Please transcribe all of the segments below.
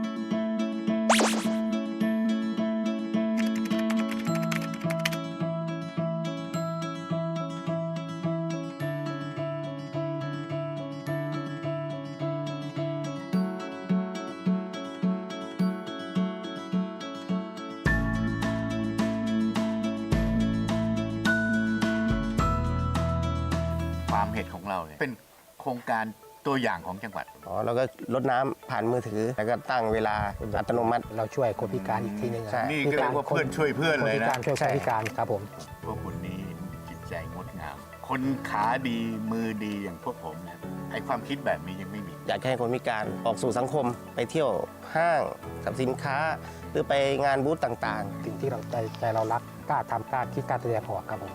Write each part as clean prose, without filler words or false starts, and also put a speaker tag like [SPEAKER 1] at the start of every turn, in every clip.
[SPEAKER 1] ฟาร์มเห็ดของเราเนี่ยเป็นโครงการตัวอย่างของจังหวัด
[SPEAKER 2] เราก็ลดน้ำผ่านมือถือแล้วก็ตั้งเวลาอัตโนมัติ
[SPEAKER 3] เราช่วยคนพิการอีกทีหนึง
[SPEAKER 2] ใช่
[SPEAKER 1] นี่ก็เรียกว่าเพื่อนช่วยเพื่อนเลย
[SPEAKER 3] คนพิ
[SPEAKER 1] นะ
[SPEAKER 3] การช่วยคนพิการครับผม
[SPEAKER 1] พวกคุณนี้จิตใจงดงาม คนขาดีมือดีอย่างพวกผมเนี่ยไอความคิดแบบนี้ยังไม่มี
[SPEAKER 2] อยากให้คนพิการออกสู่สังคมไปเที่ยวห้างสรรพสินค้า หรือไปงานบูธต่าง
[SPEAKER 3] สิ่งที่เราใจเรารักกล้าทำกล้าคิดกล้าแสดงออกครับผม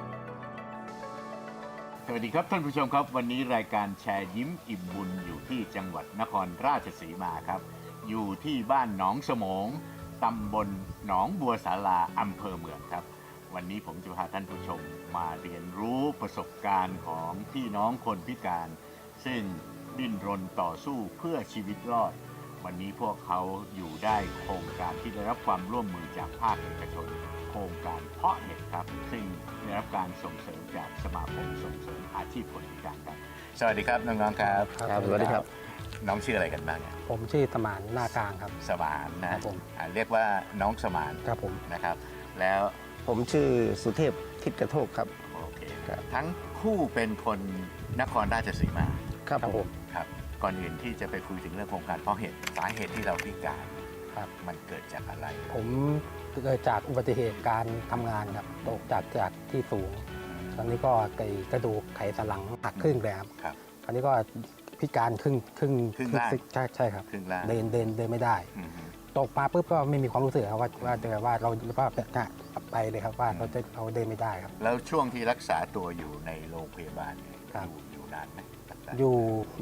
[SPEAKER 1] สวัสดีครับท่านผู้ชมครับวันนี้รายการแชร์ยิ้มอิ่มบุญอยู่ที่จังหวัดนครราชสีมาครับอยู่ที่บ้านหนองสมงตำบลหนองบัวสาราอำเภอเมืองครับวันนี้ผมจะพาท่านผู้ชมมาเรียนรู้ประสบการณ์ของพี่น้องคนพิการ ซึ่งดิ้นรนต่อสู้เพื่อชีวิตรอดวันนี้พวกเขาอยู่ได้โครงการที่ได้รับความร่วมมือจากภาคเอกชนโครงการเพาะเห็ดครับซึ่งได้รับการส่งเสริมจากสมาคมส่งเสริมอาชีพคนพิการครับสวัสดีครับน้องๆครับ
[SPEAKER 2] ๆครับสวัสดีครับ
[SPEAKER 1] น้องชื่ออะไรกันบ้างเนี่ย
[SPEAKER 3] ผมชื่อสมานหน้ากลางครับ
[SPEAKER 1] สมานนะครับ
[SPEAKER 3] ผม
[SPEAKER 1] เรียกว่าน้องสมาน
[SPEAKER 3] ครับผม
[SPEAKER 1] นะครับ แล้ว
[SPEAKER 2] ผมชื่อสุเทพทิศกระโทกครับ
[SPEAKER 1] โอเค
[SPEAKER 2] ครับ
[SPEAKER 1] ทั้งคู่เป็นคนนครราชสีมา
[SPEAKER 2] ครับ
[SPEAKER 3] ครับ
[SPEAKER 2] ผ
[SPEAKER 3] ผม ม
[SPEAKER 1] ครับก่อนอื่นที่จะไปคุยถึงเรื่องโครงการเพาะเห็ดสาเหตุที่เราพิการ
[SPEAKER 3] ครับ
[SPEAKER 1] มันเกิดจากอะไร
[SPEAKER 3] ผมเกิดจากอุบัติเหตุการทำงานครับตกจากที่สูง ตอนนี้ก็กระดูกไขสันหลังหักครึ่งเลยครับ
[SPEAKER 1] ครับ
[SPEAKER 3] ตอนนี้ก็พิการครึ่ง
[SPEAKER 1] ครึ่งล่าง
[SPEAKER 3] ใช่ครับ
[SPEAKER 1] ครึ่งล่าง
[SPEAKER 3] เดินไม่ได้
[SPEAKER 1] อืมฮึ
[SPEAKER 3] ตกมาปุ๊บก็ไม่มีความรู้สึกครับว่าเราไปเลยครับว่าเราเดินไม่ได้ครับ
[SPEAKER 1] แล้วช่วงที่รักษาตัวอยู่ในโรงพยาบาลเนี่ย
[SPEAKER 3] ครับ
[SPEAKER 1] อยู่นานไหมรักษา
[SPEAKER 3] อยู่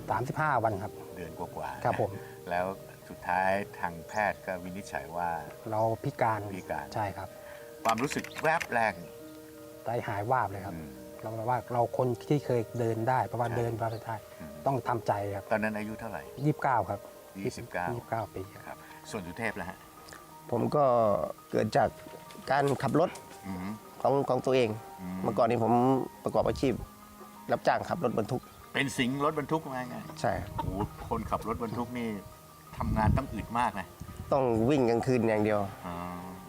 [SPEAKER 3] 35 วันครับ
[SPEAKER 1] เดือนกว่าๆ
[SPEAKER 3] ครับผม
[SPEAKER 1] แล้วสุดท้ายทางแพทย์ก็วินิจฉัยว่า
[SPEAKER 3] เราพิการ
[SPEAKER 1] พิการ
[SPEAKER 3] ใช่ครับ
[SPEAKER 1] ความรู้สึกแวบแรก
[SPEAKER 3] ใจหายวาบเลยครับ
[SPEAKER 1] อืม
[SPEAKER 3] เราแบบว่าเราคนที่เคยเดินได้เพราะว่า
[SPEAKER 1] ใช่
[SPEAKER 3] เดินไม่ได้
[SPEAKER 1] อืม
[SPEAKER 3] ต้องทำใจครับ
[SPEAKER 1] ตอนนั้นอายุเท่าไหร่
[SPEAKER 3] 29 ครับ
[SPEAKER 1] 29
[SPEAKER 3] 29 ปีครับ
[SPEAKER 1] ครับส่วนสุเทพแล้วฮะ
[SPEAKER 2] ผมก็เกิดจากการขับรถ
[SPEAKER 1] อืม
[SPEAKER 2] ของตัวเอง
[SPEAKER 1] อืม
[SPEAKER 2] เมื่อก่อนนี้ผมประกอบอาชีพ รับจ้างขับรถบรรทุก
[SPEAKER 1] เป็นสิงห์รถบรรทุกมาไง
[SPEAKER 2] ใช่
[SPEAKER 1] โอ้โหคนขับรถบรรทุกนี่ทำงานต้องอึดมากนะ
[SPEAKER 2] ต้องวิ่งกลางคืนอย่างเดียว
[SPEAKER 1] อ๋อก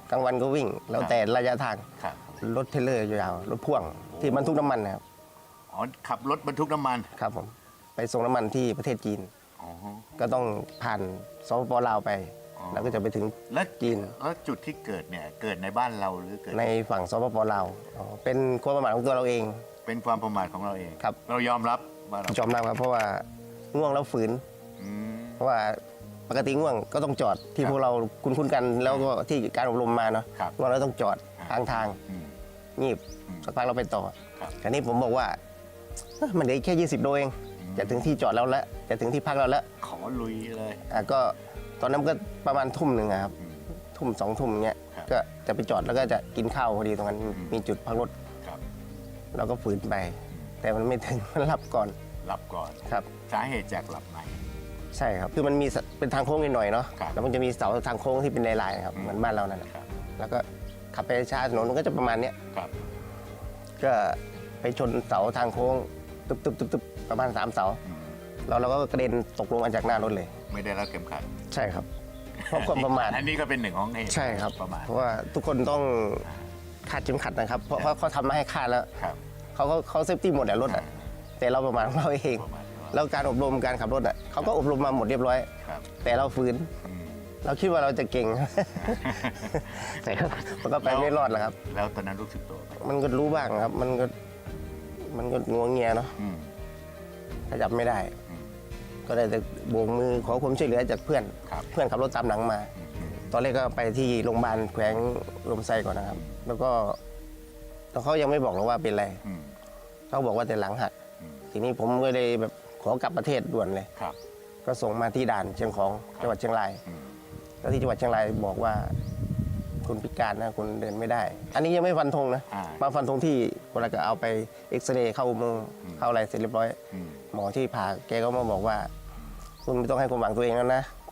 [SPEAKER 2] ลางวันก็วิ่ง แล้วแต่ระยะทาง
[SPEAKER 1] ครับ
[SPEAKER 2] รถเทรลเลอร์ยาวๆรถพ่วงที่บรรทุกน้ำมันนะครับ
[SPEAKER 1] อ๋อขับรถบรรทุกน้ำมัน
[SPEAKER 2] ครับผมไปส่งน้ำมันที่ประเทศจีน
[SPEAKER 1] อ๋อ
[SPEAKER 2] ก็ต้องผ่านสปปลาวไป
[SPEAKER 1] อ๋อ
[SPEAKER 2] แล้วก็จะไปถึง
[SPEAKER 1] แล้ว
[SPEAKER 2] จีน
[SPEAKER 1] แล้วจุดที่เกิดเนี่ยเกิดในบ้านเราหรือเกิด
[SPEAKER 2] ในฝั่งสปปลาวเป็นความประมาทของตัวเราเอง
[SPEAKER 1] เป็นความประมาทของเราเอง
[SPEAKER 2] ครับ
[SPEAKER 1] เรายอมรับว่าเรา
[SPEAKER 2] ยอมรับครับเพราะว่าง่วงแล้วฝืน
[SPEAKER 1] อืม
[SPEAKER 2] เพราะว่าปกติง่วงก็ต้องจอดที่
[SPEAKER 1] ครับ
[SPEAKER 2] พวกเราคุ้นๆกันแล้วก็ที่การอบรมมาเนาะ
[SPEAKER 1] ครับ
[SPEAKER 2] ง่วงแล้วต้องจอด
[SPEAKER 1] ครับ
[SPEAKER 2] ทางทาง
[SPEAKER 1] อืม
[SPEAKER 2] งีบ
[SPEAKER 1] อืม
[SPEAKER 2] สักพักเราไปต่อ
[SPEAKER 1] ครับ
[SPEAKER 2] คราวนี้ผมบอกว่ามันเหลือแค่20 โลเอง
[SPEAKER 1] อืม
[SPEAKER 2] จะถึงที่จอดแล้วละจะถึงที่พักเราแล้ว
[SPEAKER 1] ขอลุยเลย
[SPEAKER 2] ก็ตอนนั้นก็ประมาณทุ่มหนึ่งอะครับ
[SPEAKER 1] อืม
[SPEAKER 2] ทุ่ม2 ทุ่มเงี้ย
[SPEAKER 1] ครับ
[SPEAKER 2] ก็จะไปจอดแล้วก็จะกินข้าวพอดีตรงนั้น
[SPEAKER 1] อืม
[SPEAKER 2] มีจุดพักรถ
[SPEAKER 1] ครับ
[SPEAKER 2] เราก็ฝืนไป แต่มันไม่ถึง มันหลับก่อน
[SPEAKER 1] รับก่อน
[SPEAKER 2] ครับ
[SPEAKER 1] สาเหตุจากหลับใน
[SPEAKER 2] ใช่ครับ คือมันมีเป็นทางโค้งนิดหน่อยเนาะ
[SPEAKER 1] ครับ
[SPEAKER 2] แล้วมันจะมีเสาทางโค้งที่เป็นลายๆครับ
[SPEAKER 1] อืม
[SPEAKER 2] เหมือนบ้านเรานั่นแหละ
[SPEAKER 1] ครับ
[SPEAKER 2] แล้วก็ขับไปช้าถนนมันก็จะประมาณเนี้ย
[SPEAKER 1] ครับ
[SPEAKER 2] ก็ไปชนเสาทางโค้งตึ๊บประมาณ3 เสา
[SPEAKER 1] อืม
[SPEAKER 2] เราก็กระเด็นตกลงมาจากหน้ารถเลย
[SPEAKER 1] ไม่ได้รับเข็มขัด
[SPEAKER 2] ใช่ครับ เพราะความประมาท
[SPEAKER 1] อันนี้ก็เป็นหนึ่งของเหตุ
[SPEAKER 2] ใช่ครับ
[SPEAKER 1] ประมาท
[SPEAKER 2] เพราะว่าทุกคนต้องคาดเข็มขัดนะครับ เพราะเขาทำมาให้คาดแล้ว
[SPEAKER 1] ครับ
[SPEAKER 2] เขาเซฟตี้หมดแหละรถอ่ะ แต่เราประมาทของเราเอง
[SPEAKER 1] ประมาท
[SPEAKER 2] แล้วการอบรมการขับรถอ่ะเขาก็อบรมมาหมดเรียบร้อย
[SPEAKER 1] ครับ
[SPEAKER 2] แต่เราฝืน
[SPEAKER 1] อืม
[SPEAKER 2] เราคิดว่าเราจะเก่ง แต่ก็มันก็ไปไม่รอดแหละครับ
[SPEAKER 1] แล้วตอนนั้นรู้สึกตัวไหม
[SPEAKER 2] มันก็รู้บ้างครับ มันก็งัวเงียเนาะ
[SPEAKER 1] อืม
[SPEAKER 2] ขยับไม่ได้
[SPEAKER 1] อืม
[SPEAKER 2] ก็ได้แต่โบกมือขอความช่วยเหลือจากเพื่อน
[SPEAKER 1] ครับ
[SPEAKER 2] เพื่อนขับรถตามหลังมา
[SPEAKER 1] อืม
[SPEAKER 2] ตอนแรกก็ไปที่โรงพยาบาลแขวงลมไส้ก่อนนะครับ แล้วก็เขายังไม่บอกเราว่าเป็นอะไร
[SPEAKER 1] อืม
[SPEAKER 2] เขาบอกว่าแต่หลังหัก
[SPEAKER 1] อืม
[SPEAKER 2] ทีนี้ผมก็เลยแบบขอกลับประเทศด่วนเลย
[SPEAKER 1] ครับ
[SPEAKER 2] ก็ส่งมาที่ด่านเชียงของจังหวัดเชียงราย
[SPEAKER 1] อืม
[SPEAKER 2] แล้วที่จังหวัดเชียงรายบอกว่าคุณพิการนะคุณเดินไม่ได้ อันนี้ยังไม่ฟันธงนะ
[SPEAKER 1] อ่า
[SPEAKER 2] มาฟันธงที่คนละก็เอาไปเอ็กซเรย์เข้าอุโมงค์
[SPEAKER 1] อืม
[SPEAKER 2] เข้าอะไรเสร็จเรียบร้อย
[SPEAKER 1] อืม
[SPEAKER 2] หมอที่ผ่าแกก็มาบอกว่า คุณไม่ต้องให้ความหวังตัวเองแล้วนะ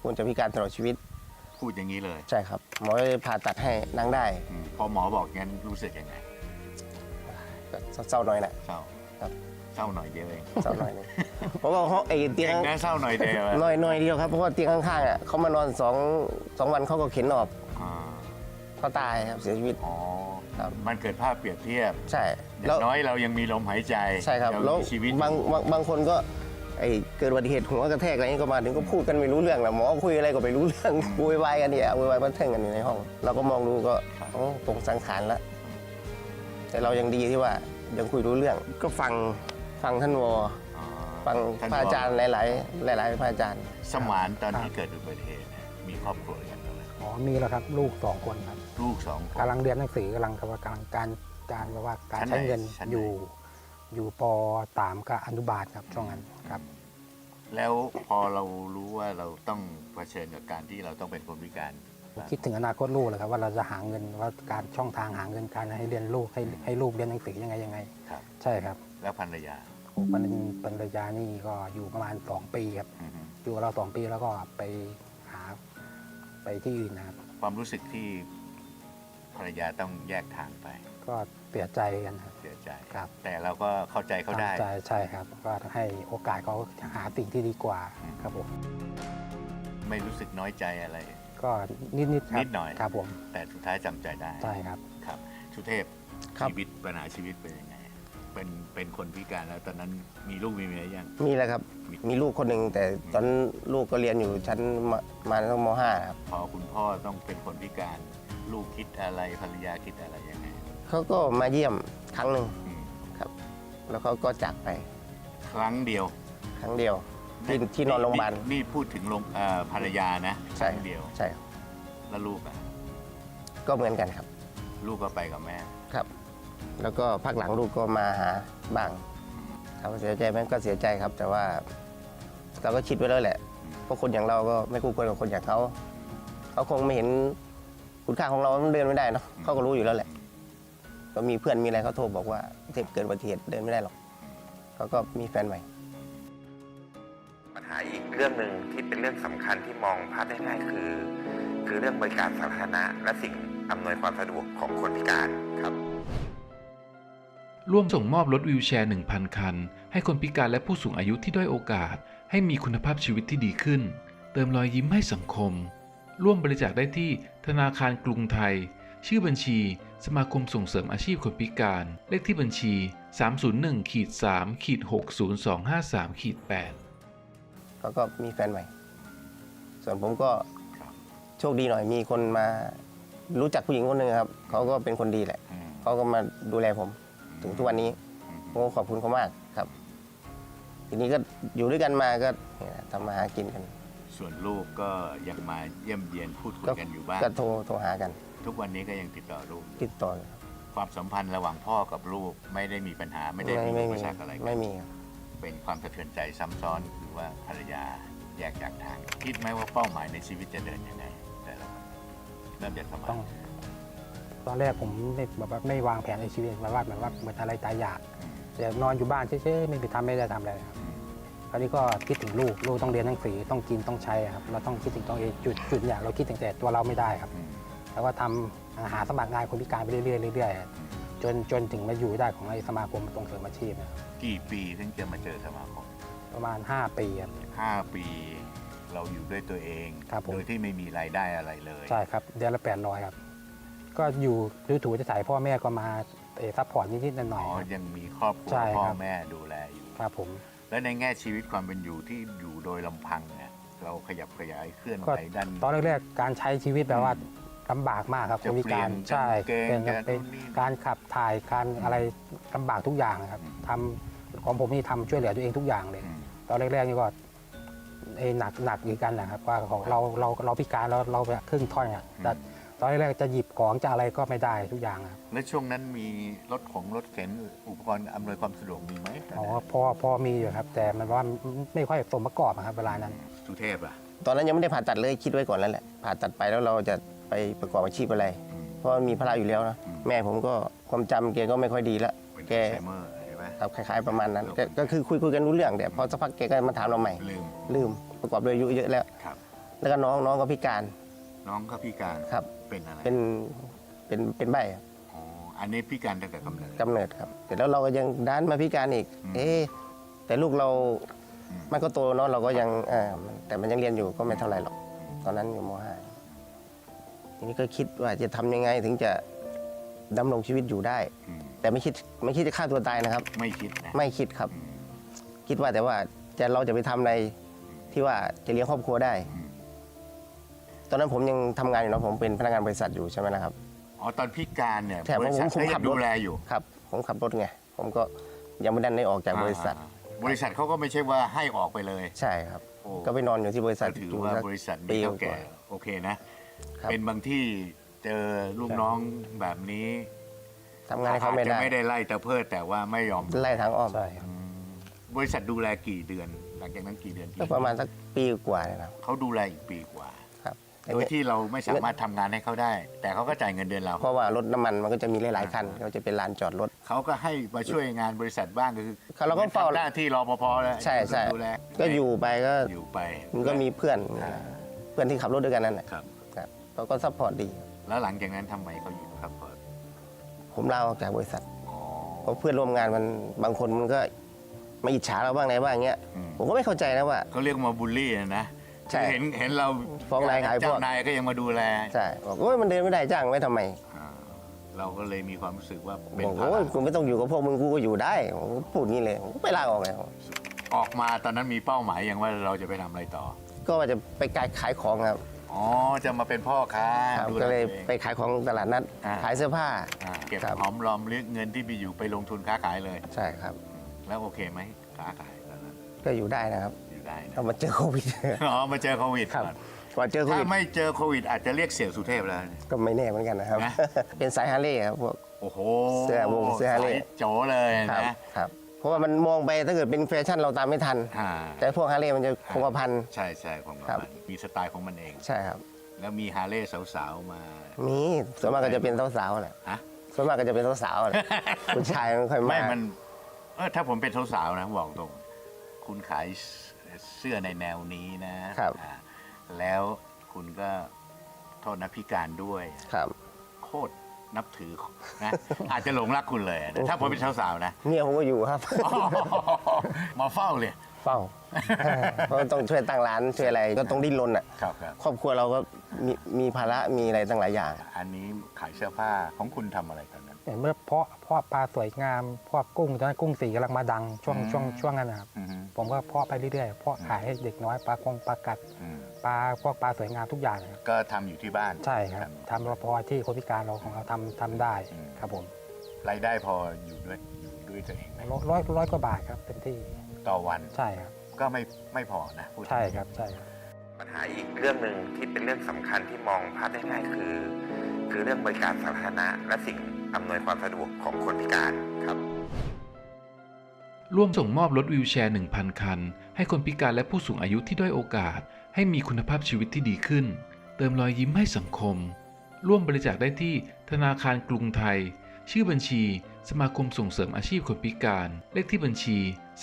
[SPEAKER 2] คุณจะพิการตลอดชีวิต
[SPEAKER 1] พูดอย่างนี้เลย
[SPEAKER 2] ใช่ครับหมอเลยผ่าตัดให้นั่งได้
[SPEAKER 1] พอหมอบอกงั้นรู้สึกยังไง
[SPEAKER 2] ก็เศร้าหน่อยแหละ
[SPEAKER 1] เศร้า
[SPEAKER 2] ครับ
[SPEAKER 1] เศร้าหน่อยเดียวเอง
[SPEAKER 2] เศร้าหน่อยนึงเพราะว่าเขาไอ้เตียง
[SPEAKER 1] เองนะเศร้าหน่อยเดียวอะ
[SPEAKER 2] หน่อยเดียวครับเพราะว่าเตียงข้างๆอ่ะเขามานอน2 วันเขาก็เข็นออก
[SPEAKER 1] อ่า
[SPEAKER 2] เขาตายครับเสียชีวิต
[SPEAKER 1] อ๋อ
[SPEAKER 2] ครับ
[SPEAKER 1] มันเกิดภาพเปรียบเทียบ
[SPEAKER 2] ใช่
[SPEAKER 1] อย่า
[SPEAKER 2] แล้ว
[SPEAKER 1] งน้อยเรายังมีลมหายใจ
[SPEAKER 2] ใช่ครับ
[SPEAKER 1] เรา
[SPEAKER 2] แล้ว
[SPEAKER 1] มีชีวิต
[SPEAKER 2] บางคนก็ไอ้เกิดอุบัติเหตุหัวกระแทกอะไรนี้ก็มาถึงก็พูดกันไม่รู้เรื่องแหละหมอคุยอะไรก็ไม่รู้เรื่องวุ่นวายกันเนี่ยวุ่นวายบันเทิงกันอยู่ในห้อง เราก็มองดูก็โอ้ตรงสังขารแล้วแต่เรายังดีที่ว่ายังคุยรู้เรื่อง ก็ฟังท่านวอ
[SPEAKER 1] อ๋อ
[SPEAKER 2] ฟัง
[SPEAKER 1] ท่น
[SPEAKER 2] พระอาจารย์หลายพระอาจารย์
[SPEAKER 1] สมานตอนที่เกิดอุบัติเหตุเนี่ยมีครอบครัวกันไหม
[SPEAKER 3] อ๋อมีแล้วครับลูก2 คนครับ
[SPEAKER 1] ลูก2 คน
[SPEAKER 3] กำลังเรียนหนังสือกำลังการแบบว่าการ
[SPEAKER 1] ชั้นไหน
[SPEAKER 3] ใช้เงิน
[SPEAKER 1] ชั้นไหน
[SPEAKER 3] อยู่ป .3 กับอนุบาลครับช่วงนั้นครับ
[SPEAKER 1] แล้วพอเรารู้ว่าเราต้องเผชิญกับการที่เราต้องเป็นคนพิการ
[SPEAKER 3] คิดถึงอนาคตลูกเลยครับว่าเราจะหาเงินว่าการช่องทางหาเงินการให้เรียนลูกให้ลูกเรียนหนังสือยังไง
[SPEAKER 1] ครับ
[SPEAKER 3] ใช่ครับ
[SPEAKER 1] แล้วภรรยา
[SPEAKER 3] โอ้ปริญญานี่ก็อยู่ประมาณ2 ปีครับ
[SPEAKER 1] อือฮึ
[SPEAKER 3] อยู่กับเรา2 ปีแล้วก็ไปหาไปที่อื่นนะครับ
[SPEAKER 1] ความรู้สึกที่ภรรยาต้องแยกทางไป
[SPEAKER 3] ก็เสียใจกันครับ
[SPEAKER 1] เสียใจ
[SPEAKER 3] ครับ
[SPEAKER 1] แต่เราก็เข้าใจเขาได้
[SPEAKER 3] ใช่ครับก็ให้โอกาสเขาหาสิ่งที่ดีกว่าครับผม
[SPEAKER 1] ไม่รู้สึกน้อยใจอะไร
[SPEAKER 3] ก็นิดๆครับ
[SPEAKER 1] นิดหน่อย
[SPEAKER 3] ครับผม
[SPEAKER 1] แต่สุดท้ายจำใจได้
[SPEAKER 3] ใช่ครับ
[SPEAKER 1] ครับสุเทพ
[SPEAKER 2] ครับ
[SPEAKER 1] ชีวิตปัญหาชีวิตเป็นยังไงเป็นคนพิการแล้วตอนนั้นมีลูกมีเมียยัง
[SPEAKER 2] มีแหละครับมีลูกคนหนึ่งแต่ตอนลูกก็เรียนอยู่ชั้นมาตั้งม .5 ครับ
[SPEAKER 1] พอคุณพ่อต้องเป็นคนพิการ ลูกคิดอะไรภรรยาคิดอะไรยังไง
[SPEAKER 2] เขาก็มาเยี่ยมครั้งหนึ่ง
[SPEAKER 1] อืม
[SPEAKER 2] ครับ แล้วเขาก็จากไป
[SPEAKER 1] ครั้งเดียว
[SPEAKER 2] ครั้งเดียวที่นอนโรงพยาบาล
[SPEAKER 1] นี่พูดถึงภรรยานะค
[SPEAKER 2] ใช่
[SPEAKER 1] รั้งเดียว
[SPEAKER 2] ใช่ครับ
[SPEAKER 1] แล้วลูกอ่ะ
[SPEAKER 2] ก็เหมือนกันครับ
[SPEAKER 1] ลูกก็ไปกับแม่
[SPEAKER 2] ครับ แล้วก็พักหลังลูกก็มาหาบ้างถามว่าเสียใจไหมก็เสียใจครับ แต่ว่าเราก็คิดไว้แล้วแหละเพราะคนอย่างเราก็ไม่คู่ควรกับคนอย่างเขาคงไม่เห็นคุณค่าของเรามันเดินไม่ได้เนาะเขาก็รู้อยู่แล้วแหละ ก็มีเพื่อนมีอะไรเขาโทรบอกว่าเทพเกิดอุบัติเหตุเดินไม่ได้หรอกเขาก็มีแฟนใหม่
[SPEAKER 4] ปัญหาอีกเรื่องหนึ่งที่เป็นเรื่องสำคัญที่มองพลาดได้ง่ายคือเรื่องบริการสาธารณะและสิ่งอำนวยความสะดวกของคนพิการครับ
[SPEAKER 5] ร่วมส่งมอบรถวีลแชร์ 1,000 คัน ให้คนพิการและผู้สูงอายุที่ด้อยโอกาส ให้มีคุณภาพชีวิตที่ดีขึ้น เติมรอยยิ้มให้สังคม ร่วมบริจาคได้ที่ธนาคารกรุงไทย ชื่อบัญชี สมาคมส่งเสริมอาชีพคนพิการ เลขที่บัญชี 301-3-60253-8
[SPEAKER 2] เขาก็มีแฟนใหม่ ส่วนผมก็
[SPEAKER 1] ครับ
[SPEAKER 2] โชคดีหน่อยมีคนมารู้จักผู้หญิงคนหนึ่งครับเขาก็เป็นคนดีแหละ
[SPEAKER 1] อืม
[SPEAKER 2] เขาก็มาดูแลผมถึงทุกวันนี้
[SPEAKER 1] อืม
[SPEAKER 2] ผมก็ขอบคุณเขามากครับ ทีนี้ก็อยู่ด้วยกันมาก็เนี่ยทำมาหากินกัน
[SPEAKER 1] ส่วนลูกก็ยังมาเยี่ยมเยียนพูดคุยกันอยู่บ้าง
[SPEAKER 2] ก็โทรหากัน
[SPEAKER 1] ทุกวันนี้ก็ยังติดต่อลูก
[SPEAKER 2] ติดต่อกันครับ
[SPEAKER 1] ความสัมพันธ์ระหว่างพ่อกับลูกไม่ได้มีปัญหาไม่ได้มีอุปสรรคอะไรกัน
[SPEAKER 2] ไม่มีครับ
[SPEAKER 1] เป็นความสะเทือนใจซ้ำซ้อนคือว่าภรรยาแยกจากทาง คิดไหมว่าเป้าหมายในชีวิตจะเดินยังไงแต่ละคนเริ่มจากสมั
[SPEAKER 3] ต้องตอนแรกผมไม่วางแผนในชีวิตแบบว่าเหมือนอะไรตายอยากแต่นอนอยู่บ้านเฉยๆไม่ได้ทำอะไรครับคราวนี้ก็คิดถึงลูกต้องเรียนหนังสือต้องกินต้องใช้ครับเราต้องคิดถึงตัวเองจุดอย่างเราคิดถึงแต่ตัวเราไม่ได้ครับ แล้วก็ทำหาสมัครงานคนพิการไปเรื่อยๆครับจนถึงมาอยู่ได้ของไอ้สมาคมส่งเสริมอาชีพนะครับ
[SPEAKER 1] กี่ปีถึงจะมาเจอสมาคม
[SPEAKER 3] ประมาณ5 ปีครับ
[SPEAKER 1] 5 ปีเราอยู่ด้วยตัวเอง
[SPEAKER 3] ครับผม
[SPEAKER 1] โดยที่ไม่มีรายได้อะไรเลย
[SPEAKER 3] ใช่ครับเดือนละ800ครับก็อยู่ถูจะถ่ายพ่อแม่ก็มาซัพพอร์ตนิดๆหน่
[SPEAKER 1] อ๋
[SPEAKER 3] อย
[SPEAKER 1] อ
[SPEAKER 3] ๆครับ
[SPEAKER 1] ยังมีครอบครัว
[SPEAKER 3] ใช่
[SPEAKER 1] พ่อ
[SPEAKER 3] ครับ
[SPEAKER 1] แม่ดูแลอยู่
[SPEAKER 3] ครับผม
[SPEAKER 1] แล้วในแง่ชีวิตความเป็นอยู่ที่อยู่โดยลำพังเนี่ยเราขยับขยายเคลื่อน
[SPEAKER 3] ก็
[SPEAKER 1] ไหวดัน
[SPEAKER 3] ตอนแรกๆการใช้ชีวิตแบบว่าลำบากมากครับค
[SPEAKER 1] จะ
[SPEAKER 3] นพิการ
[SPEAKER 1] เปลี่ยน
[SPEAKER 3] ใช่
[SPEAKER 1] กางเกง
[SPEAKER 3] เป็น
[SPEAKER 1] การ
[SPEAKER 3] เป็น
[SPEAKER 1] นู่นนี่
[SPEAKER 3] การขับถ่ายการอะไรลำบากทุกอย่างครับทำของผมนี่ทำช่วยเหลือตัวเองทุกอย่างเลย
[SPEAKER 1] อืม
[SPEAKER 3] ตอนแรกๆนี่ก็หนักอยู่กันนะครับว่าของเราพิการเราครึ่งท่อนอ่ะแต่ตอนแรกๆจะหยิบของจะอะไรก็ไม่ได้ทุกอย่างครับ
[SPEAKER 1] แล้วช่วงนั้นมีรถเข็นอุปกรณ์อำนวยความสะดวกมีไหม
[SPEAKER 3] อ๋อพอมีอยู่ครับ แต่มันว่าไม่ค่อยสมประกอบอะครับเวลานั้น
[SPEAKER 1] สุเทพอ่ะ
[SPEAKER 2] ตอนนั้นยังไม่ได้ผ่าตัดเลยคิดไว้ก่อนแล้วแหละผ่าตัดไปแล้วเราจะไปประกอบอาชีพอะไร เพราะมันมีภาระอยู่แล้วนะแม่ผมก็ความจำแกก็ไม่ค่อยดีละ
[SPEAKER 1] เป็น
[SPEAKER 2] แก
[SPEAKER 1] อัลไซเมอร์ใช่ไหม
[SPEAKER 2] ครับคล้ายๆประมาณนั้นก็คือคุยกันรู้เรื่องแต่พอสักพักแกก็มาถามเราใหม่
[SPEAKER 1] ลืม
[SPEAKER 2] ลืมประกอบด้วยอายุเยอะแล้ว
[SPEAKER 1] ครับ
[SPEAKER 2] แล้วก็น้องก็พิการ
[SPEAKER 1] น้องก็พิการ
[SPEAKER 2] ครับ
[SPEAKER 1] เป็นอะไร
[SPEAKER 2] เป็นใบครับ
[SPEAKER 1] อ๋ออันนี้พิการตั้งแต่กำเนิด
[SPEAKER 2] กำเนิดครับแต่แล้วเราก็ยังด้านมาพิการอีก
[SPEAKER 1] อืม
[SPEAKER 2] แต่ลูกเรา
[SPEAKER 1] อืม
[SPEAKER 2] มันก็โตเนาะเราก็ยังแต่มันยังเรียนอยู่ก็ไม่เท่าไหร่หรอกตอนนั้นอยู่ม .5 ทีนี้ก็คิดว่าจะทำยังไงถึงจะดำรงชีวิตอยู่ได้
[SPEAKER 1] อืม
[SPEAKER 2] แต่ไม่คิดจะฆ่าตัวตายนะครับ
[SPEAKER 1] ไม่คิดนะ
[SPEAKER 2] ไม่คิดครับ
[SPEAKER 1] อืม
[SPEAKER 2] คิดว่าแต่ว่าเราจะไปทำอะไรที่ว่าจะเลี้ยงครอบครัวได้
[SPEAKER 1] อืม
[SPEAKER 2] ตอนนั้นผมยังทำงานอยู่เนาะผมเป็นพนักงานบริษัทอยู่ใช่ไหมนะครับ
[SPEAKER 1] อ๋อตอนพิการเนี่ย
[SPEAKER 2] ใช่
[SPEAKER 1] บริษัท
[SPEAKER 2] ผม
[SPEAKER 1] ก็
[SPEAKER 2] ขั
[SPEAKER 1] ยั
[SPEAKER 2] บ
[SPEAKER 1] ง
[SPEAKER 2] รถ
[SPEAKER 1] ดูแลอยู่
[SPEAKER 2] ครับ ผมขับรถไงผมก็ยังไม่ได้ออกจากบริษัท
[SPEAKER 1] บริษัทเขาก็ไม่ใช่ว่าให้ออกไปเลย
[SPEAKER 2] ใช่ครับ
[SPEAKER 1] โอ้
[SPEAKER 2] ก็ไปนอนอยู่ที่บริษัท
[SPEAKER 1] ก็ถือ
[SPEAKER 2] อยู่
[SPEAKER 1] ว่า
[SPEAKER 2] สัก
[SPEAKER 1] บริษัท
[SPEAKER 2] ปี
[SPEAKER 1] มีเท่าก แก่
[SPEAKER 2] ว่า
[SPEAKER 1] โอเคนะ
[SPEAKER 2] ครับ
[SPEAKER 1] เป็นบางที่เจอลูกน้องแบบนี้
[SPEAKER 2] ทำงานให้เขาไม่
[SPEAKER 1] อาจจะ
[SPEAKER 2] ได้
[SPEAKER 1] ไม่ได้ไล่ตะเพิดแต่ว่าไม่ยอม
[SPEAKER 2] ไล่ทางอ้อม
[SPEAKER 3] ใช่ครับ
[SPEAKER 1] อืมบริษัทดูแลกี่เดือน หลังจากนั้นกี่เดือน
[SPEAKER 2] ก็ประมาณสักปีกว่าเลยนะครับ
[SPEAKER 1] เขาดูแลอีกปีกว่า
[SPEAKER 2] ครับ
[SPEAKER 1] โดยที่เราไม่สามารถทำงานให้เขาได้ แต่เขาก็จ่ายเงินเดือนเรา
[SPEAKER 2] เพราะว่ารถน้ำมันมันก็จะมีหลายๆคันก็จะเป็นลานจอดรถ
[SPEAKER 1] เขาก็ให้มาช่วยงานบริษัทบ้างก็คือ
[SPEAKER 2] เราก็เฝ้า
[SPEAKER 1] หน้าที่รปภแล้ว
[SPEAKER 2] ใช่ใช่
[SPEAKER 1] ดูแล
[SPEAKER 2] ก็อยู่ไปก็
[SPEAKER 1] อยู่ไป
[SPEAKER 2] มันก็มีเพื่อน
[SPEAKER 1] อ่า
[SPEAKER 2] เพื่อนที่ขับรถด้วยกันนั่นแหละ
[SPEAKER 1] ครับ
[SPEAKER 2] ครับเขาก็ซัพพอร์ตดี
[SPEAKER 1] แล้วหลังจากนั้นทำไมเขาอยู่ครับ
[SPEAKER 2] ผมลาออกจากบริษัท
[SPEAKER 1] อ๋อ
[SPEAKER 2] เพราะเพื่อนร่วมงานมันบางคนมันก็มาอิจฉาเราบ้างไหนบ้างเงี้ย
[SPEAKER 1] อืม
[SPEAKER 2] ผมก็ไม่เข้าใจนะว่า
[SPEAKER 1] เขาเรียกมาบูลลี่นะ
[SPEAKER 2] ใช่
[SPEAKER 1] คือเห็นเรา
[SPEAKER 2] ฟ้องนายขายพวก
[SPEAKER 1] เจ้านายก็ยังมาดูแล
[SPEAKER 2] ใช่บอกโอ้ยมันเดินไม่ได้จ้างไว้ทำไม
[SPEAKER 1] อ่าเราก็เลยมีความรู้สึกว่าเป็น
[SPEAKER 2] บอก
[SPEAKER 1] ภา
[SPEAKER 2] โอ้ย
[SPEAKER 1] ระ
[SPEAKER 2] กูไม่ต้องอยู่กับพวกมึงกูก็อยู่ได้ผมก็พูดงี้เลยผมก็ไปลาออกเลย
[SPEAKER 1] ออกมาตอนนั้นมีเป้าหมายอย่างว่าเราจะไปทำอะไรต่อ
[SPEAKER 2] ก็ว่าจะไปขายของครับ
[SPEAKER 1] อ๋อ จะมาเป็นพ่อค้า
[SPEAKER 2] ครับ
[SPEAKER 1] ดูแล
[SPEAKER 2] ก็เลย
[SPEAKER 1] ตัวอง
[SPEAKER 2] ไปขายของตลาดนัด
[SPEAKER 1] อ่า
[SPEAKER 2] ขายเสื้อผ้า
[SPEAKER 1] เก็บ
[SPEAKER 2] ครับ
[SPEAKER 1] หอมรอมริบเงินที่มีอยู่ไปลงทุนค้าขายเลย
[SPEAKER 2] ใช่ครับ
[SPEAKER 1] แล้วโอเคไหมค้าขายตอนนั้น
[SPEAKER 2] ก็อยู่ได้นะครับ
[SPEAKER 1] อยู่ได้นะ
[SPEAKER 2] เอามาเจอโควิด
[SPEAKER 1] อ๋อมาเจอโควิด
[SPEAKER 2] ครับ
[SPEAKER 1] ก่อน
[SPEAKER 2] ก่อนเจอโค
[SPEAKER 1] ถ้า
[SPEAKER 2] วิด
[SPEAKER 1] ไม่เจอโควิดอาจจะเรียกเสี่ยวสุเทพแล้ว
[SPEAKER 2] ก็ไม่แน่เหมือนกันนะครับ
[SPEAKER 1] นะ
[SPEAKER 2] เป็นสายฮาร์เลย์ครับพวก
[SPEAKER 1] โอ้โห
[SPEAKER 2] เสื้อฮาร์เลย์
[SPEAKER 1] สายโจเลย
[SPEAKER 2] ครับ
[SPEAKER 1] นะครับ
[SPEAKER 2] เพราะว่ามันมองไปถ้าเกิดเป็นแฟชั่นเราตามไม่ทัน
[SPEAKER 1] อ่า
[SPEAKER 2] แต่พวกฮาร์เลย์มันจะคงกระพัน
[SPEAKER 1] ใช่ใช่ของ
[SPEAKER 2] ครับ
[SPEAKER 1] มันมีสไตล์ของมันเอง
[SPEAKER 2] ใช่ครับ
[SPEAKER 1] แล้วมีฮาร์เลย์สาวๆมา
[SPEAKER 2] มีส่วนมากก็จะเป็นสาวๆแหละ
[SPEAKER 1] ฮะ
[SPEAKER 2] ส่วนมากก็จะเป็นสาวๆแหละ ผู้ชายไม่ค่อย
[SPEAKER 1] ไม่
[SPEAKER 2] มา
[SPEAKER 1] มันถ้าผมเป็นสาวๆนะบอกตรง คุณขายเสื้อในแนวนี้นะครับ อ่าแล้วคุณก็โทษนะพิการด้วย
[SPEAKER 2] ครับ
[SPEAKER 1] โคตรนับถือนะ อาจจะหลงรักคุณเลยนะถ้าผมเป็นสาวๆนะ
[SPEAKER 2] เนี่ยผมก็อยู่ครับ
[SPEAKER 1] มาเฝ้าเลย
[SPEAKER 2] เฝ้า เพราะต้องช่วยตั้งร้านช่วยอะไรก็ต้องดิ้นรนอ่ะ
[SPEAKER 1] ครับครับ
[SPEAKER 2] ครอบครัวเราก็มีภาระมีอะไรตั้งหลายอย่าง
[SPEAKER 1] อันนี้ขายเสื้อผ้าของคุณทำอะไรตอนนั้น
[SPEAKER 3] เมื่อเพาะปลาสวยงามเพาะกุ้งตอนนั้นกุ้งสีกำลังมาดังช่วงนั้นนะครับ
[SPEAKER 1] อือฮึ
[SPEAKER 3] ผมก็เพาะไปเรื่อยๆเพาะขายให้เด็กน้อยปลากัด
[SPEAKER 1] อืม
[SPEAKER 3] พวกปลาสวยงามทุกอย่างนะครับ
[SPEAKER 1] ก็ทำอยู่ที่บ้าน
[SPEAKER 3] ใช่ครับทำรพอที่คนพิการเราของเราทำได้
[SPEAKER 1] อืม
[SPEAKER 3] ครับผม
[SPEAKER 1] รายได้พออยู่ด้วยตัวเองไหม
[SPEAKER 3] ร้อยกว่าบาทครับเต็มที่
[SPEAKER 1] ต่อวัน
[SPEAKER 3] ใช่ครับ
[SPEAKER 1] ก็ไม่พอนะพูดถึง
[SPEAKER 3] ใช่ครับใช่ครับ
[SPEAKER 4] ปัญหาอีกเรื่องหนึ่งที่เป็นเรื่องสำคัญที่มองภาพได้ง่ายคือเรื่องบริการสาธารณะและสิ่งอำนวยความสะดวกของคนพิการครับ
[SPEAKER 5] ร่วมส่งมอบรถวีลแชร์ 1,000 คัน ให้คนพิการและผู้สูงอายุที่ด้อยโอกาส ให้มีคุณภาพชีวิตที่ดีขึ้น เติมรอยยิ้มให้สังคม ร่วมบริจาคได้ที่ธนาคารกรุงไทย ชื่อบัญชี สมาคมส่งเสริมอาชีพคนพิการ เลขที่บัญชี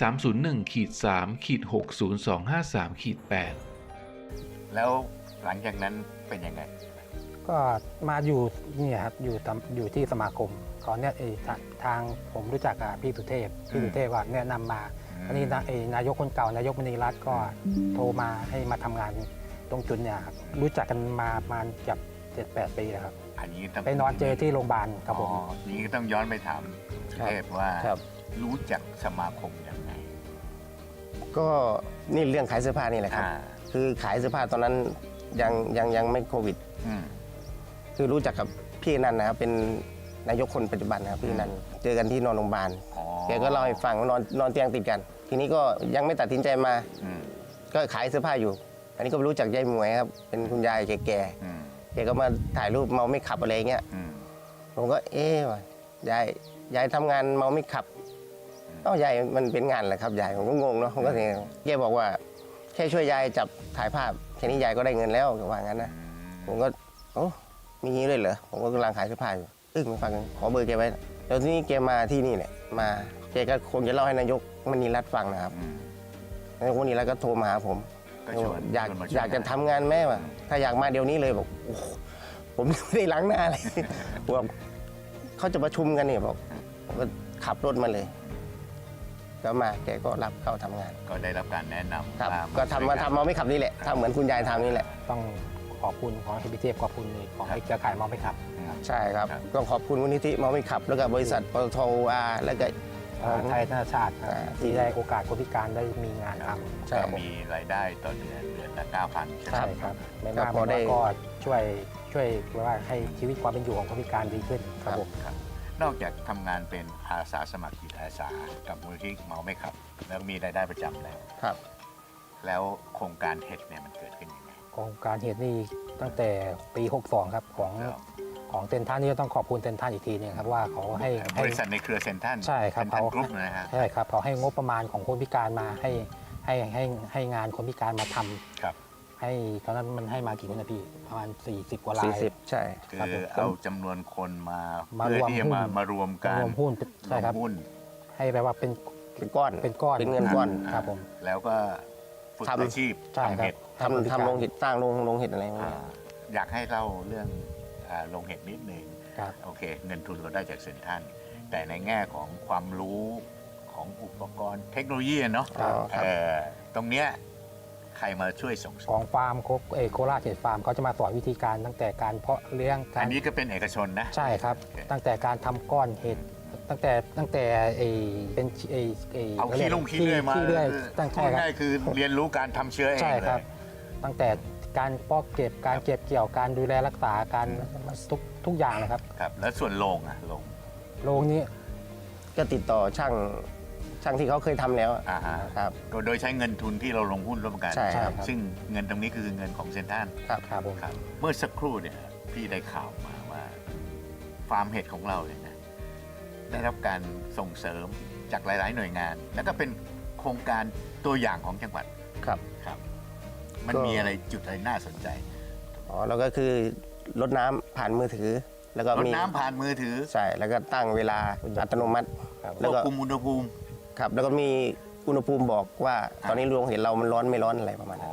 [SPEAKER 5] 301-3-60253-8
[SPEAKER 1] แล้วหลังจากนั้นเป็นยังไง
[SPEAKER 3] ก็มาอยู่เนี่ยครับอยู่ที่สมาคมเขาเนี่ยทางผมรู้จักกับพี่สุเทพก็แนะนำมา อันนี้นายกคนเก่านายกมณีรัตน์ก็โทรมาให้มาทำงานตรงจุดเนี่ยครับรู้จักกันมาประมาณเกือบ7-8 ปีแล้วครับ
[SPEAKER 1] อันนี้ต้อง
[SPEAKER 3] ไปนอนเจอที่โรงพยาบาลครับผม
[SPEAKER 1] อ๋ออย่างนี้ก็ต้องย้อนไปถามสุเทพว่า
[SPEAKER 2] ครับ
[SPEAKER 1] รู้จักสมาคมยังไง
[SPEAKER 2] ก็นี่เรื่องขายเสื้อผ้านี่แหละครับ
[SPEAKER 1] อ่า
[SPEAKER 2] คือขายเสื้อผ้าตอนนั้นยังไม่โควิด
[SPEAKER 1] อืม
[SPEAKER 2] คือรู้จักกับพี่นันนะครับเป็นนายกคนปัจจุบันนะครับพี่นันเจอกันที่นอนโรงพยาบาล
[SPEAKER 1] อ๋อ
[SPEAKER 2] แกก็เล่าให้ฟังว่านอนเตียงติดกัน ทีนี้ก็ยังไม่ตัดสินใจมา
[SPEAKER 1] อืม
[SPEAKER 2] ก็ขายเสื้อผ้าอยู่ อันนี้ก็รู้จักยายหมวยครับเป็นคุณยายแก่
[SPEAKER 1] อืม
[SPEAKER 2] ๆแกก็มาถ่ายรูปเมาไม่ขับอะไรเงี้ย
[SPEAKER 1] อืม
[SPEAKER 2] ผมก็ว่ะยายทำงานเมาไม่ขับยายมันเป็นงานแหละครับยายผมก็งงเนาะผมก็เนี่ยแกบอกว่าแค่ช่วยยายจับถ่ายภาพแค่นี้ยายก็ได้เงินแล้วแกว่างั้นนะผมก็โอ้มีงี้เลยเหรอผมก็กำลังขายเสื้อผ้าอยู่มาฟังกันขอเบอร์แกไว้แล้วทีนี้แกมาที่นี่แหละมาแกก็คงจะเล่าให้นายกมณีรัตน์ฟังนะครับ
[SPEAKER 1] อืม
[SPEAKER 2] นายกมณีรัตน์ก็โทรมาหาผม
[SPEAKER 1] กก็ชวน
[SPEAKER 2] อยาก
[SPEAKER 1] ชวนมาช่วย
[SPEAKER 2] อยากจะทำงานแม่ว่ะถ้าอยากมาเดี๋ยวนี้เลยบอกโอ้โหผมไม่ได้ล้างหน้าเลย บอกเขาจะประชุมกันเนี่ยบอกผมก็ขับรถมาเลยก็มาแกก็รับเข้าทำงาน
[SPEAKER 1] ก็ได้รับการแนะนำ
[SPEAKER 2] ครับ
[SPEAKER 1] ว่า
[SPEAKER 2] ก็ทำมา
[SPEAKER 1] ช่วยน
[SPEAKER 2] ทำมาไม่ขับนี่แหละทำเหมือนคุณยายทำนี่แหละ
[SPEAKER 3] ต้องขอบคุณของพี่เทพขอบคุณของไอ้เครือข่ายมองไม่ขับ
[SPEAKER 2] ใช่ครับต้องขอบคุณมูลนิธิเมาไม่ขับ แล้วก็บริษัทปตทแล้วก็
[SPEAKER 3] ไทยธนาชาติครับ
[SPEAKER 2] ที่
[SPEAKER 3] ที่ได้โอกาสคนพิการได้มีงานทำ
[SPEAKER 2] ใช่
[SPEAKER 1] ก็มีรายได้ต่อเดือนละ 9,000 ใช่ไหม
[SPEAKER 3] ใช่ครับไม่มาก
[SPEAKER 2] พอ
[SPEAKER 3] ไม่
[SPEAKER 2] ได้
[SPEAKER 3] น้อยก็ช่วยว่าให้ชีวิตความเป็นอยู่ของคนพิการดีขึ้นครับผม
[SPEAKER 1] ครับนอกจากทำงานเป็นอาสาสมัครจิตอาสากับมูลนิธิเมาไม่ขับ แล้วมีรายได้ประจำแล้ว
[SPEAKER 2] ครับ
[SPEAKER 1] แล้วโครงการเห็ดเนี่ยมันเกิดขึ้นยังไง
[SPEAKER 3] โครงการเหตุนี่ตั้งแต่ปี 62 ครับของเซนทรันนี่ก็ต้องขอบคุณเซนทรันอีกทีหนึงครับว่าเขาให้
[SPEAKER 1] บริษัทในเครือเซ็นทรัล
[SPEAKER 3] ใช่ครับ
[SPEAKER 1] เซ็นทรัลกรุ๊ปนะฮะ
[SPEAKER 3] ใช่ครับเขาให้งบประมาณของคนพิการมาให้งานคนพิการมาทำ
[SPEAKER 1] ครับ
[SPEAKER 3] ให้ตอนนั้นมันให้มากี่คนนะพี่ประมาณ 40 กว่าราย
[SPEAKER 2] 40 ใช่
[SPEAKER 1] คื
[SPEAKER 3] ครับ
[SPEAKER 1] อ
[SPEAKER 3] ผม
[SPEAKER 1] เอาจำนวนคนมา
[SPEAKER 3] มา
[SPEAKER 1] เพื่อ
[SPEAKER 3] รวม
[SPEAKER 1] ที่จะ
[SPEAKER 3] หุ้น
[SPEAKER 1] มารวมกัน
[SPEAKER 3] รวมหุ้นใช่ครับ
[SPEAKER 1] วมหุ้น
[SPEAKER 3] ให้แปลว่าเป็น
[SPEAKER 2] เป็นก้อน
[SPEAKER 3] เป็นก้อน
[SPEAKER 2] เป็นเงินก้อน
[SPEAKER 3] ครับผม
[SPEAKER 1] แล้วก็ฝึก
[SPEAKER 2] ทำ
[SPEAKER 1] อาชีพ
[SPEAKER 3] ใช่
[SPEAKER 1] ทำ
[SPEAKER 3] ครั
[SPEAKER 1] เห็
[SPEAKER 3] บ
[SPEAKER 1] ด
[SPEAKER 2] ทำโรงเห็ดสร้างโรงเห็ดอะไรพวก
[SPEAKER 1] อ่า
[SPEAKER 2] นี้
[SPEAKER 1] อยากให้เล่าเรื่องโรงเห็ดนิดนึง
[SPEAKER 3] ครับ
[SPEAKER 1] โอเค เงินทุนเราได้จากเซ็นทรัลแต่ในแง่ของความรู้ของอุปกรณ์เทคโนโลยีอะเนาะ
[SPEAKER 2] อ๋อครับ
[SPEAKER 1] ตรงเนี้ยใครมาช่วยส่งเสริ
[SPEAKER 3] ขอ
[SPEAKER 1] ม
[SPEAKER 3] งฟาร์มโคราชเห็ดฟาร์มเขาจะมาสอนวิธีการตั้งแต่การเพาะเลี้ยงกา
[SPEAKER 1] อั
[SPEAKER 3] ร
[SPEAKER 1] นนี้ก็เป็นเอกชนนะ
[SPEAKER 3] ใช่ครับ
[SPEAKER 1] โอเค
[SPEAKER 3] ตั้งแต่การทำก้อนเห็ดตั้งแต่เป็น
[SPEAKER 1] เอาขี้ลุงขี้เลื่อยมา
[SPEAKER 3] ขี้เลื่อยตั้ง
[SPEAKER 1] พู
[SPEAKER 3] ใช่
[SPEAKER 1] ด
[SPEAKER 3] ครับ
[SPEAKER 1] ง่ายๆคือเรียนรู้การทำเชื้อเอง
[SPEAKER 3] ใช่
[SPEAKER 1] เล
[SPEAKER 3] ครับ
[SPEAKER 1] ย
[SPEAKER 3] ตั้งแต่การเพาะเก็บการเก็บเกี่ยวการดูแลรักษาการทุกอย่างนะครับ
[SPEAKER 1] ครับ แล้วส่วนโรงอะโรง
[SPEAKER 3] โรงนี้
[SPEAKER 2] ก็ติดต่อช่างที่เขาเคยทำแล้วอะ
[SPEAKER 1] อ่าฮะ
[SPEAKER 2] ครับ
[SPEAKER 1] โดยใช้เงินทุนที่เราลงหุ้นร่วมกัน
[SPEAKER 2] ใช่ครับ
[SPEAKER 1] ซึ่งเงินตรงนี้คือเงินของเซ็นทรัล
[SPEAKER 3] ครับผม
[SPEAKER 1] ครับเมื่อสักครู่เนี่ยพี่ได้ข่าวมาว่าฟาร์มเห็ดของเราเนี่ยนะได้รับการส่งเสริมจากหลาย ๆ หน่วยงาน แล้วก็เป็นโครงการตัวอย่างของจังหวัด
[SPEAKER 2] ครับ
[SPEAKER 1] ครับ มัน
[SPEAKER 2] ก็
[SPEAKER 1] มีอะไรจุดอะไรน่าสนใจ
[SPEAKER 2] อ๋อแล้วก็คือรดน้ำผ่านมือถือ แล้วก็
[SPEAKER 1] รด
[SPEAKER 2] มี
[SPEAKER 1] น้ำผ่านมือถือ
[SPEAKER 2] ใช่แล้วก็ตั้งเวลาอัตโนมัติ
[SPEAKER 3] ครับ
[SPEAKER 2] แล้ว
[SPEAKER 1] ควบ
[SPEAKER 2] ก็
[SPEAKER 1] คุมอุณหภูมิ
[SPEAKER 2] ครับแล้วก็มีอุณหภูมิบอกว่า ตอนนี้โรงเห็ดเรามันร้อนไม่ร้อนอะไรประมาณ
[SPEAKER 1] อ๋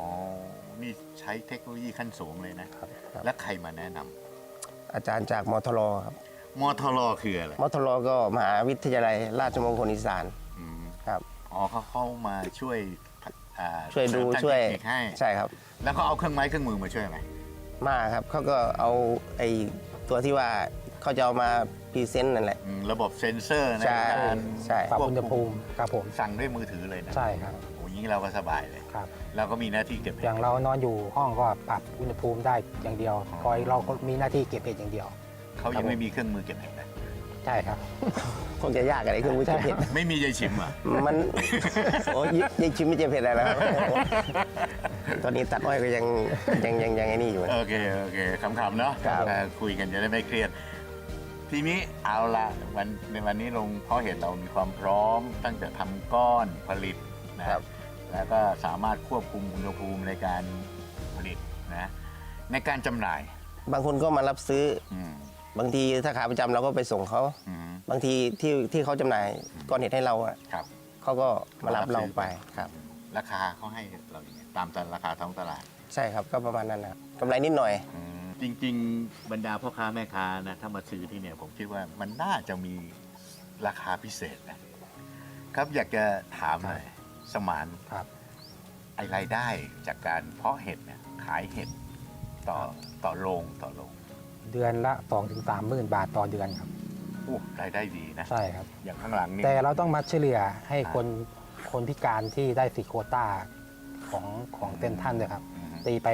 [SPEAKER 2] นั้
[SPEAKER 1] อน นี่ใช้เทคโนโลยีขั้นสูงเลยนะ
[SPEAKER 2] ครับ
[SPEAKER 1] และใครมาแนะนำ
[SPEAKER 2] อาจารย์จากมทรครับ
[SPEAKER 1] มทรคืออะไร
[SPEAKER 2] มทรก็มหาวิทยาลัยราชมงคลอีสาน
[SPEAKER 1] อืม
[SPEAKER 2] ครับ
[SPEAKER 1] อ๋อเขาเข้ามาช่วยอ่า
[SPEAKER 2] ช่วยดู
[SPEAKER 1] เสริมทาง
[SPEAKER 2] ช่วย
[SPEAKER 1] เทคนิคให้
[SPEAKER 2] ใช่ครับ
[SPEAKER 1] แล้วเขาเอาเครื่องไม้เครื่องมือมาช่วยไหม
[SPEAKER 2] มาครับเขาก็เอาไอ้ตัวที่ว่าเขาจะเอามาพรีเซนต์นั่นแหละ
[SPEAKER 1] ระบบเซ็นเซอร์ใน
[SPEAKER 2] ใช่
[SPEAKER 1] การ
[SPEAKER 2] ใช่
[SPEAKER 3] ปรับอุณหภูมิครับผม
[SPEAKER 1] สั่งด้วยมือถือเลยนะ
[SPEAKER 3] ใช่ครับ
[SPEAKER 1] โอ้ยงี้เราก็สบายเลย
[SPEAKER 3] ครับ
[SPEAKER 1] เราก็มีหน้าที่เก็บ
[SPEAKER 3] อย่างเรานอนอยู่ห้องก็ปรับอุณหภูมิได้อย่างเดียวคอยเราก็มีหน้าที่เก็บเห็ดอย่างเดียว
[SPEAKER 1] เขายังไม่มีเครื่องมือเก็บเห็ดนะ
[SPEAKER 3] ใช่ครับ
[SPEAKER 2] คงจะยากอะไรเครื่องมือเก็บเห็ด
[SPEAKER 1] ไม่มียายชิมเหรอ่ะ
[SPEAKER 2] มัน โอ้ยยังชิมไม่เจ็บเผ็ดอะไรแล้วครับตอนนี้ตัดอ้อยก็ยังไอ้นี่อยู่
[SPEAKER 1] โอเคขำๆเนาะ
[SPEAKER 2] ครับ
[SPEAKER 1] คุยกันจะได้ไม่เครียด ทีนี้เอาละในวันนี้ลงเพราะเห็ดเรามีความพร้อมตั้งแต่ทำก้อนผลิตนะแล้วก็สามารถควบคุมอุณหภูมิในการผลิตนะในการจำหน่าย
[SPEAKER 2] บางคนก็มารับซื้อ
[SPEAKER 1] อืม
[SPEAKER 2] บางทีถ้าขาประจำเราก็ไปส่งเขา
[SPEAKER 1] อืม
[SPEAKER 2] บางทีที่เขาจำหน่ายก้อนเห็ดให้เราอะ
[SPEAKER 1] ครับ
[SPEAKER 2] เขาก็มารับเราไปครับ
[SPEAKER 1] ราคาเขาให้เราอย่างไงตามราคาท้องตลาด
[SPEAKER 2] ใช่ครับก็ประมาณนั้นนะครับกำไรนิดหน่อย
[SPEAKER 1] จริงๆ บรรดาพ่อค้าแม่ค้านะถ้ามาซื้อที่เนี่ยผมคิดว่ามันน่าจะมีราคาพิเศษนะครับอยากจะถามหน่อยสมาน
[SPEAKER 3] ครับ
[SPEAKER 1] ไอรายได้จากการเพาะเห็ดเนี่ยขายเห็ดต่อโรงต่อโรง
[SPEAKER 3] เดือนละ 2-3 หมื่นบาทต่อเดือนครับ
[SPEAKER 1] อู้รายได้ดีนะ
[SPEAKER 3] ใช่ครับ
[SPEAKER 1] อย่างข้างหลังนี่
[SPEAKER 3] แต่เราต้องมาเฉลี่ยให้คนพิการที่ได้สิทธิโควต้าของเซ็นทรัลด้วยครับ
[SPEAKER 1] อืม
[SPEAKER 3] ตีไป